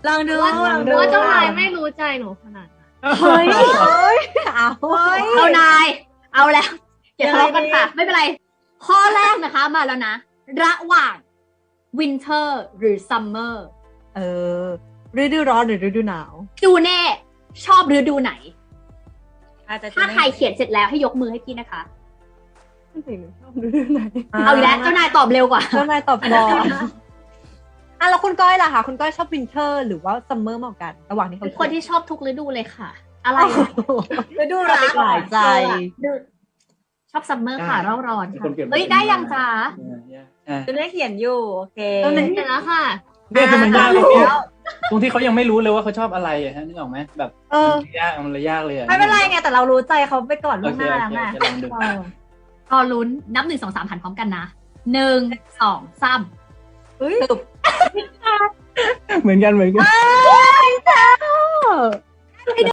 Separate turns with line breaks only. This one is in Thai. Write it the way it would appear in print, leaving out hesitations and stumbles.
ลองดู
ว่า
ลองดู
ว่าเจ้านายไม่รู้ใจหนูขนาดนั้น
เฮ้ยเอา
เอานายเอาแล้วอย่าทะเลาะกันค่ะไม่เป็นไรข้อแรกนะคะมาแล้วนะระหว่าง winter หรือ summer
เออฤดูร้อนหรือฤดูหนาว
จูเน่ชอบฤดูไหน
อาจจะ
ถ้าใครเขียนเสร็จแล้วให้ยกมือให้พี่นะคะ
ไม่ถึงชอบฤดูไหน
เอาอีกแล้วเจ้านายตอบเร็วกว่า
เจ้านายตอบก่อนอ่ะแล้วคุณก้อยล่ะคะคุณก้อยชอบวินเทอร์หรือว่าซัมเมอร์มากกว่ากัน ระหว่างที่เขา
คนที่ชอบทุกฤดูเลยค่ะ อะไร
ฤดูรักหลายใจ
ชอบซัมเมอร์ค่ะร้อนร้อน
มี
ค่ะ
คนเปลี่ยน
เฮ้ยได้ยังจ้า
จะได้เขียนอยู่โอเค
ตอนนั้น
เสร็จแล้วค่ะ
เนี่ยคือมันยากตรงที่ตรงที่เขายังไม่รู้เลยว่าเขาชอบอะไรอะฮะนึกออกไหมแบบ
เออ
มันเลยยากเลยอะ
ไม่เป็นไรไงแต่เรารู้ใจเขาไปก่อนล่วงหน้าแล้วไง
โอเคลองดู
รอลุ้นนับ1 2 3หันพร้อมกันนะ1 2 3
เฮ้ย
เหมือนกัน